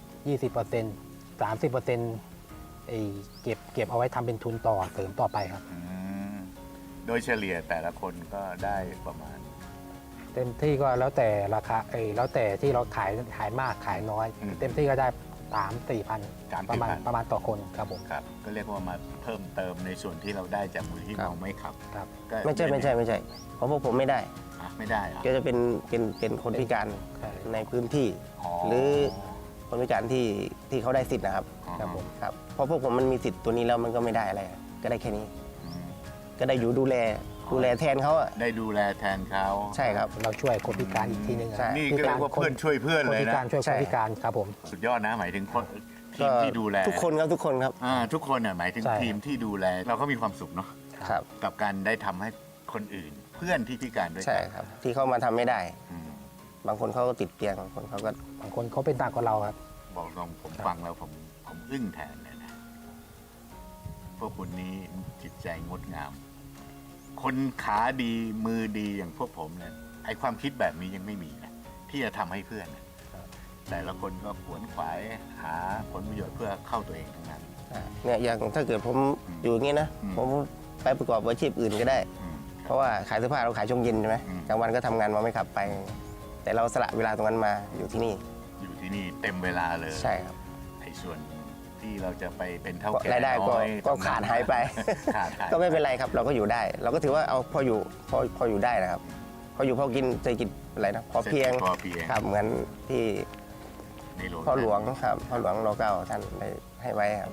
[SPEAKER 3] 20% 30%เก็บเอาไว้ทำเป็นทุนต่อเสริมต่อไปครับ
[SPEAKER 1] อืมโดยเฉลี่ยแต่ละคนก็ได้ประมาณ
[SPEAKER 3] เต็มที่ก็แล้วแต่ราคาแล้วแต่ที่เราขายมากขายน้อย
[SPEAKER 1] อืม
[SPEAKER 3] เต็มที่ก็ได้3-4 พัน
[SPEAKER 1] 3-4,000
[SPEAKER 3] ประมาณต่อคนครับผม
[SPEAKER 1] ครับก็เรียกว่ามาเพิ่มเติมในส่วนที่เราได้จากมูลที่
[SPEAKER 2] ครับ
[SPEAKER 1] เราไม่ขับ
[SPEAKER 3] ครับ
[SPEAKER 1] ก็
[SPEAKER 2] ไม่ใช่เพราะพวกผมไม่ได้
[SPEAKER 1] อ่ะไม่ได้เหรอ
[SPEAKER 2] ก็จะเป็นคนพิการ
[SPEAKER 3] ใช่
[SPEAKER 2] ในพื้นที่ หรือคนพิการที่เขาได้สิทธิ์นะครับ
[SPEAKER 3] ครับผม
[SPEAKER 2] ครับเพราะพวกผมมันมีสิทธิ์ตัวนี้แล้วมันก็ไม่ได้อะไรก็ได้แค่นี้
[SPEAKER 1] อืม
[SPEAKER 2] ก็ได้อยู่ดูแลดูแลแทนเขาอะ
[SPEAKER 1] ได้ดูแลแทนเขา
[SPEAKER 2] ใช่ครับ
[SPEAKER 3] เราช่วยคนพิการอีกทีหนึงอะ
[SPEAKER 2] ใช่
[SPEAKER 1] นี่ก็เรียกว่าเพื่อนช่วยเพื่อน
[SPEAKER 3] คน
[SPEAKER 1] เลย
[SPEAKER 3] พิ
[SPEAKER 1] นะ
[SPEAKER 3] การช่วยคนพิการครับผม
[SPEAKER 1] สุดยอดนะหมายถึงคนที
[SPEAKER 2] ก็
[SPEAKER 1] มที่ดูแล
[SPEAKER 2] ทุกคนครับทุกคนครับ
[SPEAKER 1] ทุกคนน่ะหมายถึง
[SPEAKER 3] ใช่
[SPEAKER 1] ทีมที่ดูแลเราก็มีความสุขเนาะ
[SPEAKER 2] ครับ
[SPEAKER 1] กับการได้ทำให้คนอื่น เพื่อนที่พิการด้วย
[SPEAKER 2] ใช่
[SPEAKER 1] กัน
[SPEAKER 2] ครับ ที่เขามาทำไม่ได้
[SPEAKER 1] อืม
[SPEAKER 2] บางคนเขาก็ติดเตียงบางคนเขาก็
[SPEAKER 3] บางคนเขาเป็นต่างกว่าเราครับ
[SPEAKER 1] บอกตรงผมฟังแล้วผมอึ้งแทนเลยนะพวกคุณนี้จิตใจงดงาม คนขาดีมือดีอย่างพวกผมเนี่ยไอความคิดแบบนี้ยังไม่มีนะที่จะทำให้เพื่อนนะแต่ละคนก็ขวนขวายหาผลประโยชน์เพื่อเข้าตัวเองทั้งนั้น
[SPEAKER 2] เนี่ยอย่างถ้าเกิดผมอยู่อย่างนี้นะ
[SPEAKER 1] อืม
[SPEAKER 2] ผมไปประกอบอาชีพอื่นก็ได้
[SPEAKER 1] อืม
[SPEAKER 2] เพราะว่าขายเสื้อผ้าเราขายช่วงเย็นใช่ไหม
[SPEAKER 1] อืม
[SPEAKER 2] กลางวันก็ทำงานมาไม่ขับไป แต่เราสละเวลาตรงนั้นมาอยู่ที่นี่
[SPEAKER 1] อยู่ที่นี่เต็มเวลาเลย
[SPEAKER 2] ใช่ครับ
[SPEAKER 1] ไอ้ส่วนที่เราจะไปเป็นเท่าแก่
[SPEAKER 2] รายได้ก็
[SPEAKER 1] น้อย
[SPEAKER 2] ก็
[SPEAKER 1] ตรงนั้น
[SPEAKER 2] ขาดหายไป
[SPEAKER 1] ขาดหาย
[SPEAKER 2] ก็ไม่เป็นไรครับ เราก็อยู่ได้ เราก็ถือว่าเอาพออยู่พออยู่ได้นะครับ พออยู่พอกินเศรษฐกิจอะไรนะพอเพียง
[SPEAKER 1] พอเพียง
[SPEAKER 2] ครับเหมือนที่
[SPEAKER 1] ในหลวง
[SPEAKER 2] พ่อหลวงครับพ่อหลวงรเก้าท่านได้ให้ไว้ครับ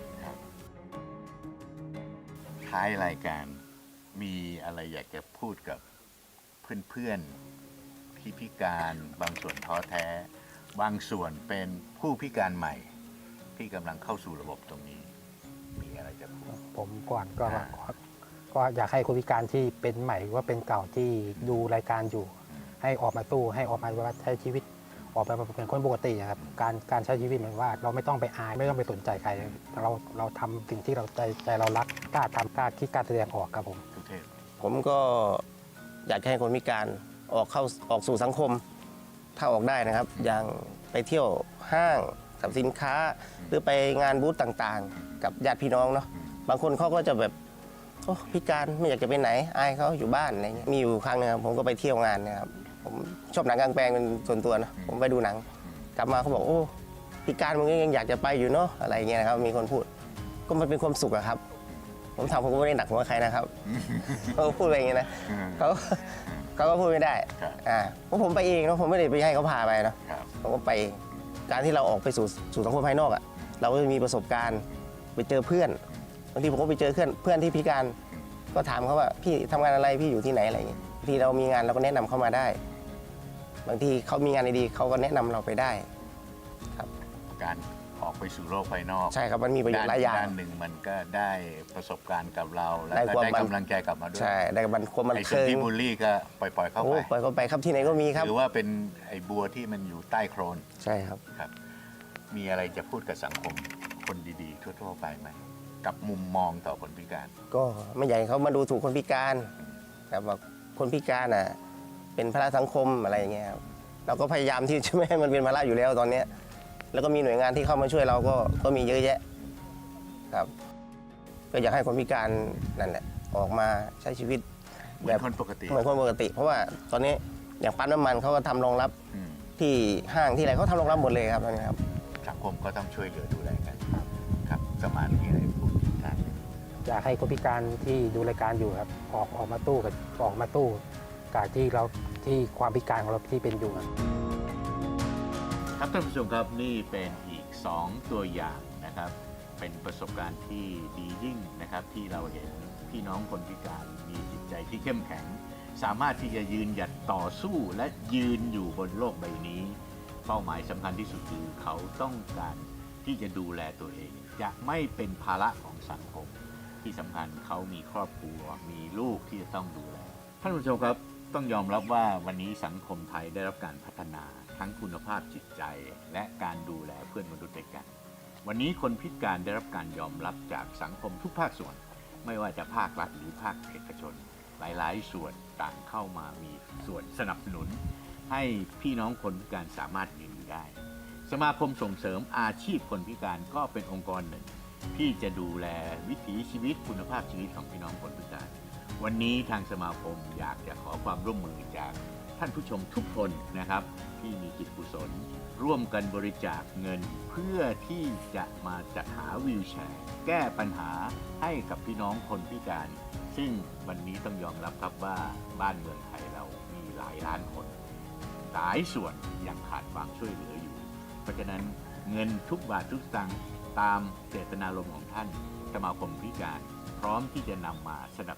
[SPEAKER 1] ท้ายรายการมีอะไรอยากจะพูดกับเพื่อนๆที่พิการบางส่วนท้อแท้ บางส่วนเป็นผู้พิการใหม่ ที่กำลังเข้าสู่ระบบตรงนี้ มีอะไรจะพูด
[SPEAKER 3] ผมก่อนก็
[SPEAKER 1] อ่า
[SPEAKER 3] ก็อยากให้คนพิการที่เป็นใหม่หรือว่าเป็นเก่าที่ดูรายการอยู่ ให้ออกมาสู้ให้ออกมาว่าใช้ชีวิตออกมาเป็นคนปกติอะครับการใช้ชีวิตเหมือนว่า เราไม่ต้องไปอายไม่ต้องไปสนใจใครเราทำสิ่งที่เราใจเรารักกล้าทำกล้าคิดกล้าแสดงออกครับผม
[SPEAKER 1] ทุกเทพ
[SPEAKER 2] ผมก็อยากให้คนพิการออกสู่สังคม ถ้าออกได้นะครับ อย่างไปเที่ยวห้างสรรพสินค้า หรือไปงานบูธต่างๆ กับญาติพี่น้องเนาะบางคนเขาก็จะแบบโอ้พิการไม่อยากจะไปไหนอายเขาอยู่บ้านอะไรเงี้ยมีอยู่ครั้งหนึงครับผมก็ไปเที่ยวงานเนะครับผมชอบหนังกลางแปลงเป็นส่วนตัวนะผมไปดูหนัง กลับมาเขาบอกโอ้พิการมึงยังอยากจะไปอยู่เนาะอะไรเงี้ยนะครับมีคนพูดก็มันเป็นความสุขอะครับ ผมถามผมก็ไม่ได้หนักหัวใครนะครับ เขาก็พูดไปอย่างเงี้ยนะเขาก็พูดไม่ได้
[SPEAKER 1] ครับ
[SPEAKER 2] เพราะผมไปเองเนาะผมไม่ได้ไปให้เขาพาไปนะครับ ผมก็ไปเองการที่เราออกไปสู่สังคมภายนอกอะเราก็จะมีประสบการณ์ไปเจอเพื่อนบางทีผมก็ไปเจอเพื่อนที่พิการ ก็ถามเขาว่าพี่ทำงานอะไรพี่อยู่ที่ไหนอะไรอย่างเงี้ยบางทีเรามีงานเราก็แนะนำเข้ามาได้ บางทีเขามีงานดีๆเขาก็แนะนำเราไปได้
[SPEAKER 1] การออกไปสู่โลกภายนอก
[SPEAKER 2] ใช่ครับมันมีประโยชน์หลายอย่าง
[SPEAKER 1] ด้านหนึ่งมันก็ได้ประสบการณ์กับเรา แล้ว
[SPEAKER 2] ได้
[SPEAKER 1] ก็
[SPEAKER 2] ความ
[SPEAKER 1] ได้
[SPEAKER 2] บัน
[SPEAKER 1] กำลังใจกลับมาด้วย
[SPEAKER 2] ใช่ได้บันความมัน
[SPEAKER 1] ไอ้
[SPEAKER 2] เค
[SPEAKER 1] ส่วน
[SPEAKER 2] ย
[SPEAKER 1] ที่บูลลี่ก็ปล่อยๆเข้า
[SPEAKER 2] โอ้
[SPEAKER 1] ไป
[SPEAKER 2] ปล่อยเขาไปครับที่ไหนก็มีครับ
[SPEAKER 1] หรือว่าเป็นไอ้บัวที่มันอยู่ใต้โคลน
[SPEAKER 2] ใช่ครับ
[SPEAKER 1] ครับ มีอะไรจะพูดกับสังคมคนดีๆ ทั่วๆไปไหมกับมุมมองต่อคนพิการ
[SPEAKER 2] ก็ไม่อยากให้เขามาดูถูกคนพิการครับว่าคนพิการอ่ะเป็นภาระสังคมอะไรอย่างเงี้ยครับเราก็พยายามที่จะไม่ให้มันเป็นภาระอยู่แล้วตอนเนี้ยแล้วก็มีหน่วยงานที่เข้ามาช่วยเราก็มีเยอะแยะครับก็อยากให้คนพิการนั่นแหละออกมาใช้ชีวิต
[SPEAKER 1] เหมือนคนปกติ
[SPEAKER 2] เหมือนคนปกติ เพราะว่าตอนนี้อย่างปั๊มน้ำมันเขาก็ทำรองรับ
[SPEAKER 1] อืม
[SPEAKER 2] ที่ห้างที่อะไรเขาทำรองรับหมดเลยครับตอนนี้ครับ
[SPEAKER 1] สังคมก็ต้องช่วยเหลือดูแลกัน ครับสมานมีอะไรพูดกัน
[SPEAKER 3] อยากให้คนพิการที่ดูรายการอยู่ครับออกมาตู้กับที่ความพิการของเราที่เป็นอยู่ครับ
[SPEAKER 1] ครับท่านผู้ชมครับนี่เป็นอีก 2 ตัวอย่างนะครับ เป็นประสบการณ์ที่ดียิ่งนะครับ ที่เราเห็นพี่น้องคนพิการมีจิตใจที่เข้มแข็ง สามารถที่จะยืนหยัดต่อสู้และยืนอยู่บนโลกใบนี้ เป้าหมายสำคัญที่สุดคือเขาต้องการที่จะดูแลตัวเอง จะไม่เป็นภาระของสังคม ที่สำคัญเขามีครอบครัวมีลูกที่จะต้องดูแลท่านผู้ชมครับต้องยอมรับว่าวันนี้สังคมไทยได้รับการพัฒนาทั้งคุณภาพจิตใจ และการดูแลเพื่อนมนุษย์ด้วยกัน วันนี้คนพิการได้รับการยอมรับจากสังคมทุกภาคส่วน ไม่ว่าจะภาครัฐหรือภาคเอกชน หลายๆ ส่วนต่างเข้ามามีส่วนสนับสนุน ให้พี่น้องคนพิการสามารถยืนอยู่ได้ สมาคมส่งเสริมอาชีพคนพิการก็เป็นองค์กรหนึ่ง ที่จะดูแลวิถีชีวิตคุณภาพชีวิตของพี่น้องคนพิการ วันนี้ทางสมาคมอยากจะขอความร่วมมือจากท่านผู้ชมทุกคนนะครับ ที่มีจิตกุศลร่วมกันบริจาคเงินเพื่อที่จะมาจัดหาวีลแชร์ แก้ปัญหาให้กับพี่น้องคนพิการ ซึ่งวันนี้ต้องยอมรับครับว่าบ้านเมืองไทยเรามีหลายล้านคนหลายส่วนยังขาดความช่วยเหลืออยู่ เพราะฉะนั้นเงินทุกบาททุกสตางค์ตามเจตนารมณ์ของท่านสมาคมพิการ พร้อมที่จะนำมาสนับสนุน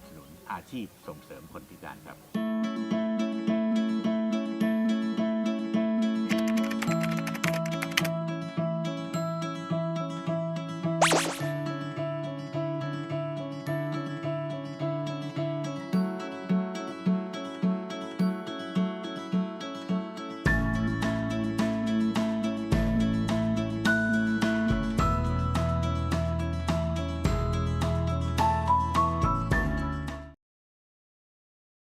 [SPEAKER 1] อาชีพส่งเสริมคนพิการครับ